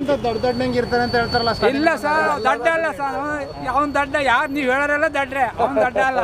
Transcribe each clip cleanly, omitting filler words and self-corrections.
ಹನುಮಂತ ದೊಡ್ಡಂಗೆ ಇರ್ತಾನೆ ಅಂತ ಹೇಳ್ತಾರಲ್ಲ. ಇಲ್ಲ ಸರ್, ದಡ್ಡ ಅಲ್ಲ ಸರ್. ಅವನ್ ದಡ್ಡ ಯಾರು ನೀವು ಹೇಳೋರೆಲ್ಲ ದಡ್ರೆ, ಅವನ್ ದಡ್ಡ ಅಲ್ಲ.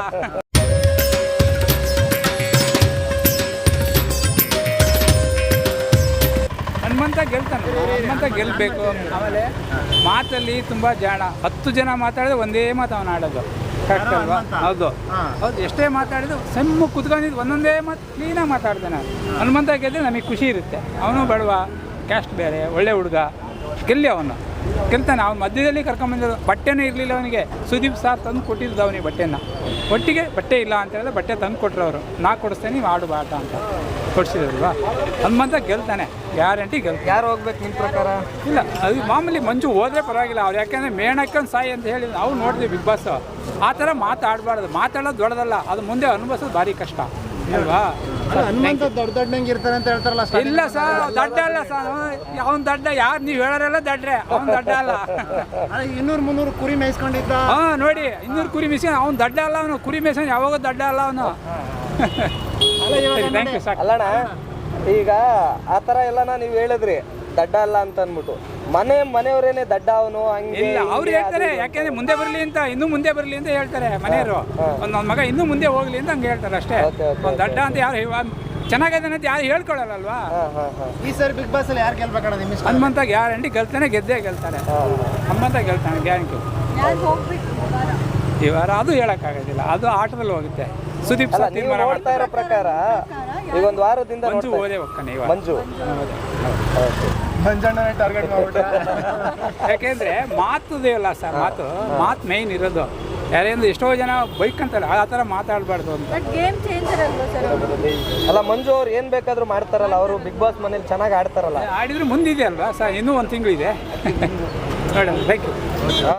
ಹನುಮಂತ ಗೆಲ್ತಾನೆ, ಹನುಮಂತ ಗೆಲ್ಲಬೇಕು. ಆಮೇಲೆ ಮಾತಲ್ಲಿ ತುಂಬ ಜಾಣ. 10 ಜನ ಮಾತಾಡಿದ್ರೆ ಒಂದೇ ಮಾತು ಅವನು ಆಡೋದು. ಕರೆಕ್ಟ್ ಅಲ್ವಾ? ಹೌದು ಹೌದು. ಎಷ್ಟೇ ಮಾತಾಡಿದ್ರು ಸೆಮ್ಮು ಕುತ್ಕೊಂಡಿದ್ದು ಒಂದೊಂದೇ ಮಾತು ಕ್ಲೀನಾಗಿ ಮಾತಾಡ್ತಾನೆ. ಹನುಮಂತ ಗೆದ್ದರೆ ನಮಗೆ ಖುಷಿ ಇರುತ್ತೆ. ಅವನು ಬಡವ, ಕ್ಯಾಸ್ಟ್ ಬೇರೆ, ಒಳ್ಳೆ ಹುಡುಗ, ಗೆಲ್ಲಿ ಅವನು ಗೆಲ್ತಾನೆ. ಅವ್ನು ಮಧ್ಯದಲ್ಲಿ ಕರ್ಕೊಂಬಂದಿದ್ದು. ಬಟ್ಟೆನೂ ಇರಲಿಲ್ಲ ಅವನಿಗೆ. ಸುದೀಪ್ ಸಾರ್ ತಂದು ಕೊಟ್ಟಿದ್ದು ಅವನಿಗೆ ಬಟ್ಟೆನ. ಒಟ್ಟಿಗೆ ಬಟ್ಟೆ ಇಲ್ಲ ಅಂತ ಹೇಳಿದ್ರೆ ಬಟ್ಟೆ ತಂದು ಕೊಟ್ಟರು ಅವರು. ನಾ ಕೊಡಿಸ್ತೇನೆ, ನೀವು ಆಡು ಆಟ ಅಂತ ಕೊಡಿಸಿದ್ರಲ್ವಾ. ಹನುಮಂತ ಗೆಲ್ತಾನೆ, ಗ್ಯಾರಂಟಿ ಗೆಲ್ತಾನೆ. ಯಾರು ಹೋಗ್ಬೇಕು ನಿಮ್ಮ ಪ್ರಕಾರ? ಇಲ್ಲ, ಅದು ಮಾಮೂಲಿ ಮಂಜು ಹೋದ್ರೆ ಪರವಾಗಿಲ್ಲ. ಅವ್ರು ಯಾಕೆಂದರೆ ಮೇಣಕ್ಕಂದು ಸಾಯಿ ಅಂತ ಹೇಳಿ ನಾವು ನೋಡಿದ್ವಿ ಬಿಗ್ ಬಾಸ್. ಆ ಥರ ಮಾತಾಡಬಾರ್ದು. ಮಾತಾಡೋದು ದೊಡ್ಡದಲ್ಲ, ಅದು ಮುಂದೆ ಅನುಭವಿಸೋದು ಭಾರಿ ಕಷ್ಟ ಅಲ್ವಾ. ಹನುಮಂತ ದೊಡ್ಡಂಗೆ ಇರ್ತಾನೆ ಅಂತ ಹೇಳ್ತಾರಲ್ಲ. ಇಲ್ಲ ಸರ್, ದಡ್ಡ ಅಲ್ಲ ಸರ್. ಅವನ್ ದಡ್ಡ ಯಾರು ನೀವು ಹೇಳೋರೆಲ್ಲ ದಡ್ರೆ, ಅವನ್ ದಡ್ಡ ಅಲ್ಲ. 200-300 ಕುರಿ ಮೇಯಿಸ್ಕೊಂಡಿದ್ದ. ನೋಡಿ 200 ಕುರಿ ಮೇಯ್ಸ್ಕೊಂಡು ಅವ್ನು ದಡ್ಡ ಅಲ್ಲ. ಅವನು ಕುರಿ ಮೇಯ್ಸ್ಕೊಂಡು ಯಾವಾಗ ದಡ್ಡ ಅಲ್ಲ ಅವನು. ಥ್ಯಾಂಕ್ ಯು ಸಾಕು. ಅಲ್ಲಣ್ಣ, ಈಗ ಆ ಥರ ಎಲ್ಲನ ನೀವು ಹೇಳಿದ್ರಿ ದಡ್ಡ ಅಲ್ಲ ಅಂತ ಅಂದ್ಬಿಟ್ಟು, ಮನೆಯವರೇನೆ ದಡ್ಡ ಅವನು ಹಂಗೆ ಇಲ್ಲ, ಅವ್ರು ಹೇಳ್ತಾರೆ. ಯಾಕೆಂದ್ರೆ ಮುಂದೆ ಬರಲಿ ಅಂತ, ಇನ್ನೂ ಮುಂದೆ ಬರಲಿ ಅಂತ ಹೇಳ್ತಾರೆ ಮನೆಯವರು. ನನ್ನ ಮಗ ಇನ್ನೂ ಮುಂದೆ ಹೋಗ್ಲಿ ಅಂತ ಹಂಗೆ ಹೇಳ್ತಾರೆ ಅಷ್ಟೇ. ಒಂದು ದಡ್ಡ ಅಂತ ಯಾರು ಚೆನ್ನಾಗಿದೆ ಅಂತ ಯಾರು ಹೇಳ್ಕೊಳ್ಳಲ್ಲಲ್ವಾ. ಈ ಸರಿ ಬಿಗ್ ಬಾಸ್ ಅಲ್ಲಿ ಯಾರು ಗೆಲ್ಬೇಕಣ್ಣ ನಿಮ್ಮ ಇಷ್ಟ? ಹನುಮಂತ ಗ್ಯಾರಂಟಿ ಗೆಲ್ತಾನೆ, ಗೆದ್ದೇ ಗೆಲ್ತಾನೆ. ಹನುಮಂತ ಗೆಲ್ತಾನೆ ಗ್ಯಾರಂಟಿ. ಈ ವಾರ ಅದು ಹೇಳಕ್ಕಾಗೋದಿಲ್ಲ, ಅದು ಆಟದಲ್ಲಿ ಹೋಗುತ್ತೆ. ಸುದೀಪ್ ಸರ್ ತೀರ್ಮಾನ ನೋಡ್ತಾ ಇರೋ ಪ್ರಕಾರ ಈಗ ಒಂದು ವಾರದಿಂದ ಮಂಜು ಓದೇ ಹೋಗ್ತಾನೆ ಇವಾಗ. ಮಂಜಣ್ಣನೇ ಟಾರ್ಗೆಟ್ ಮಾಡ್ಬಿಟ್ಟ. ಯಾಕೆಂದ್ರೆ ಮಾತುದೇ ಇಲ್ಲ ಸರ್. ಮಾತು ಮೇಯ್ನ್ ಇರೋದು. ಯಾರೇಂದ್ರೆ ಎಷ್ಟೋ ಜನ ಬೈಕ್ ಅಂತಾರೆ, ಆ ಥರ ಮಾತಾಡಬಾರ್ದು ಅಂತ. ಅಲ್ಲ, ಮಂಜು ಅವ್ರು ಏನು ಬೇಕಾದರೂ ಮಾಡ್ತಾರಲ್ಲ, ಅವರು ಬಿಗ್ ಬಾಸ್ ಮನೇಲಿ ಚೆನ್ನಾಗಿ ಆಡ್ತಾರಲ್ಲ. ಆಡಿದ್ರೆ ಮುಂದಿದೆ ಅಲ್ವಾ ಸರ್, ಇನ್ನೂ 1 ತಿಂಗಳು ಇದೆ. ನೋಡಿ, ಥ್ಯಾಂಕ್ ಯು.